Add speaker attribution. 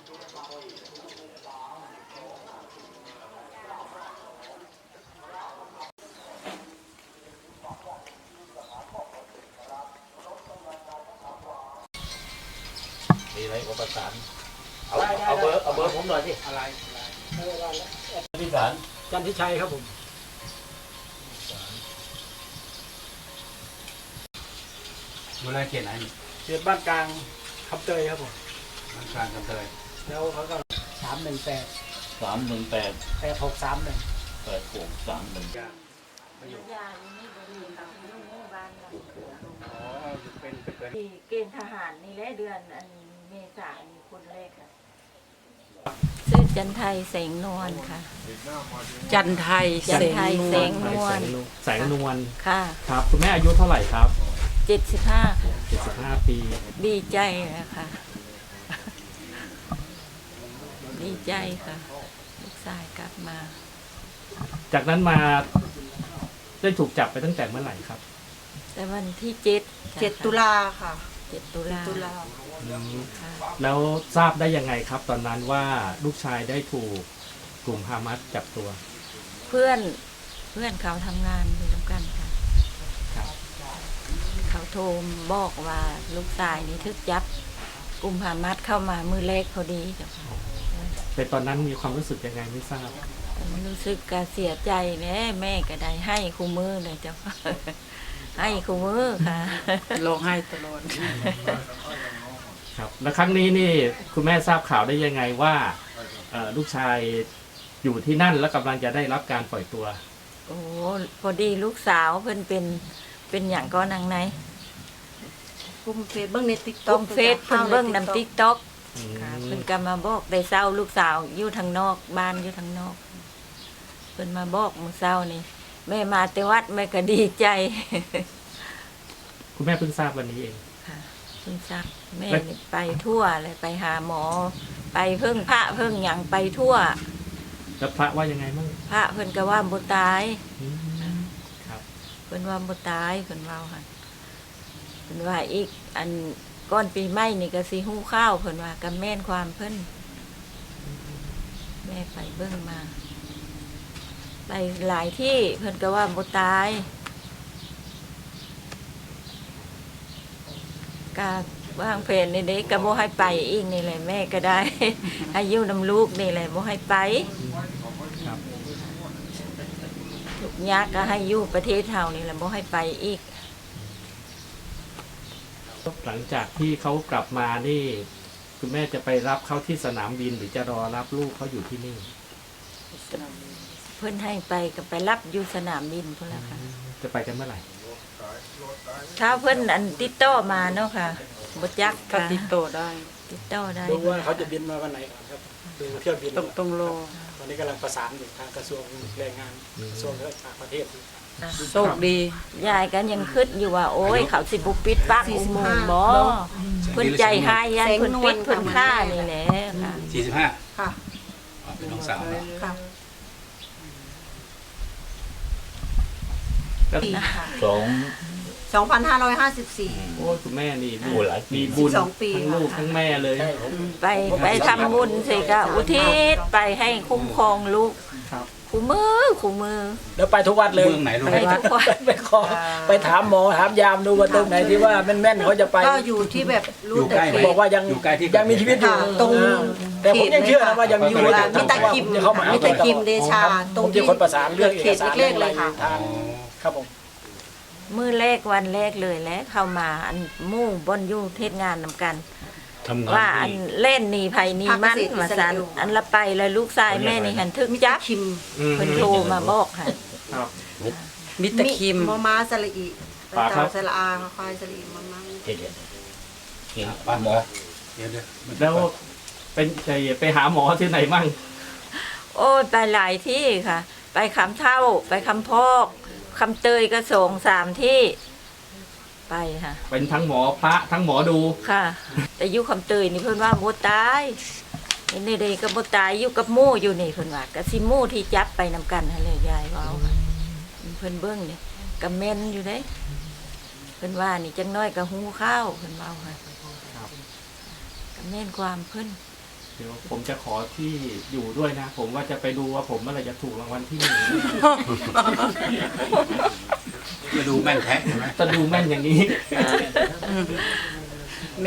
Speaker 1: มีอะไรก็ประสานเอาเบอร์ผมหน่อยสิอะไรที่ศาล
Speaker 2: จันทิชัยครับผม
Speaker 3: ดูแลเขตไหน
Speaker 2: เขตบ้านกลางคำเตยครับผม
Speaker 3: บ้านกลางคำเตย
Speaker 2: แล้วเขาก็318
Speaker 1: 318
Speaker 2: 8631
Speaker 1: 8631
Speaker 4: ยาอยู่นี่บริเวณกับที่ลูกหมู่บ้านเราที่เกณฑ์ทหารนี่แหละเดือนอันเมษายนคนแรกค่ะชื่อจันไทยแสงนวลค่ะ
Speaker 5: จันไทย
Speaker 4: แสงนวล
Speaker 5: แสงนวล
Speaker 4: ค่ะ
Speaker 5: ครับคุณแม่อายุเท่าไหร่ครับ
Speaker 4: 75ค่ะ
Speaker 5: 75 ปี
Speaker 4: ดีใจนะคะดีใจค่ะลูกชายกลับมา
Speaker 5: จากนั้นมาได้ถูกจับไปตั้งแต่เมื่อไหร่ครับ
Speaker 4: แต่วันที่7
Speaker 5: ตุลา
Speaker 4: ค่ะ7 ตุลา
Speaker 5: แล้วทราบได้ยังไงครับตอนนั้นว่าลูกชายได้ถูกกลุ่มฮามาสจับตัว
Speaker 4: เพื่อนเขาทำงานอยู่ด้วยกันค่ะเขาโทรบอกว่าลูกชายนี่ทึกจับกลุ่มฮามาสเข้ามามือเล็กพอดีจ้ะ
Speaker 5: แต่ตอนนั้นมีความรู้สึกยังไงไม่ทราบ
Speaker 4: รู้สึกก็เสียใจแม่ก็ได้ให้คู่มือเลยจ้ะให้คู่มือค่ะ
Speaker 5: ร้องไห้ตลอดครับแล้วครั้งนี้นี่คุณแม่ทราบข่าวได้ยังไงว่าลูกชายอยู่ที่นั่นแล้วกำลังจะได้รับการปล่อยตัว
Speaker 4: โอ้พอดีลูกสาวเพิ่นเป็นอย่างก็นางไหน
Speaker 5: กุ
Speaker 4: มเฟซเบิ้งในติ๊กต็อกเฟซเพิ่นเบิ้งนำติ๊กต็อกเพิ่นก็มาบอกได้เศร้าลูกสาวอยู่ทางนอกบ้านอยู่ทางนอกเพิ่นมาบอกมื้อเช้านี่แม่มาแต่วัดแม่ก็ดีใจ
Speaker 5: คุณแม่เพิ่งทราบวันนี้เอง
Speaker 4: ค่ะเพิ่งทราบแม่ไปทั่วเลยไปหาหมอไปเพิ่งพระเพิ่งหยังไปทั่ว
Speaker 5: แล้วพระว่ายังไงมั่ง
Speaker 4: พระเพิ่นก็ว่าบ่ตาย
Speaker 5: ครับ
Speaker 4: เพิ่นว่าบ่ตายเพิ่นว่าค่ะเพิ่นว่าอีกอันก้อนปีใหม่นี่ก็สิฮู้ข้าวเพิ่นว่าก็แม่นความเพิ่นแม่ไปเบิ่งมาไปหลายที่เพิ่นก็ว่าบ่ตายก็วางแผนในเด็กก็บ่ให้ไปอีกนี่แหละแม่ก็ได้ให้อยู่นำลูกนี่แหละบ่ให้ไปทุกยากก็ให้อยู่ประเทศเฮานี่แหละบ่ให้ไปอีก
Speaker 5: หลังจากที่เขากลับมานี่คุณแม่จะไปรับเขาที่สนามบินหรือจะรอรับลูกเขาอยู่ที่นี่
Speaker 4: เพิ่นให้ไปก็ไปรับอยู่สนามบินพุ่นละค่ะ
Speaker 5: จะไปกันเมื่อไหร่
Speaker 4: ถ้าเพิ่นอันติดต่อมาเนาะค่ะบ่จัก
Speaker 5: ค่ะติดต่อได้
Speaker 2: ดูว่าเขาจะบินมาวันไหนครับดูเที่ยวบิน
Speaker 5: ต้องรอ
Speaker 2: ตอนนี้กำลังประสานอยู่ทางกระทรวงแรงงานกระทรวงต่างประเทศ
Speaker 5: โชคดี
Speaker 4: ยายกันยังคิดอยู่ว่าโอ้ยเขาสิบุปิดปากอุโมงค์บ่เพิ่นใจหายยันเพิ่นปิดเพิ่นฆ่านี่แหละค่ะ
Speaker 3: 45ค่ะเป็นน้องสาวค่ะ
Speaker 5: 2554โอ้คุณแม่นี่มีบุญทั้งลูกทั้งแม่เลย
Speaker 4: ไปทำบุญสิก็อุทิศไปให้คุ้มครองลูกคู่มือ
Speaker 2: แล้วไปทุกวัดเลย
Speaker 4: ไปทุกวัด
Speaker 2: ไปขอไปถามหมอถามยามดูว่าตรงไหนที่ว่าแม่นเขาจะไป
Speaker 6: ก็อยู่ที่แบบรู้แต่
Speaker 2: บอกว่ายังมีชีวิตอยู่
Speaker 6: ตรง
Speaker 2: แต่ผมยังเชื่อว่ายังอยู่
Speaker 6: มีตะกิมมีตะกิมเดชา
Speaker 2: ตรงที่คนประสานเรื่องเอกสาร
Speaker 6: เล็กเลยค่ะ
Speaker 2: ครับผม
Speaker 4: มื้อแรกวันแรกเลยแล้วเข้ามาอันมู่บนอยู่เทศงานนำกันว่าอันเล่นหนีภัยหนีมันมาสันอันละไปแล้วลูกชายแม่นี่หันทึกจับเพิ่นโทรมาบอกค่ะ
Speaker 5: มิตรคิม
Speaker 6: มอม้าสระอีไปต่อสระอาควายสระอีมอม้า
Speaker 3: เห็นป้าหมอ
Speaker 5: แล้วเป็นไปหาหมอที่ไหนมั่ง
Speaker 4: โอ้ไปหลายที่ค่ะไปคำเท่าไปคำพอกคำเตยก็ส่ง3 ที่ไปค่ะ
Speaker 5: เป็นทั้งหมอพระทั้งหมอดู
Speaker 4: ค่ะแต่อยู่คำเตยนี่เพิ่นว่าบ่ตายนี่เด็กก็บ่ตายอยู่กับหมู่อยู่นี่เพิ่นว่าก็สิหมู่ที่จับไปนำกันหั่นแหละยายว่าเพิ่นเบิ่งนี่ก็แม่นอยู่เด้เพิ่นว่านี่จังน้อยก็ฮู้ข้าวเพิ่นว่าค่ะก็แม่นความเพิ่น
Speaker 5: เดี๋ยวผมจะขอที่อยู่ด้วยนะ ผมว่าจะไปดูว่าผมเมื่อไหรจะถูกรางวัลที่ 1
Speaker 3: จะดูแม่นแท้ใช่ไหม
Speaker 5: จะดูแม่นอย่างนี้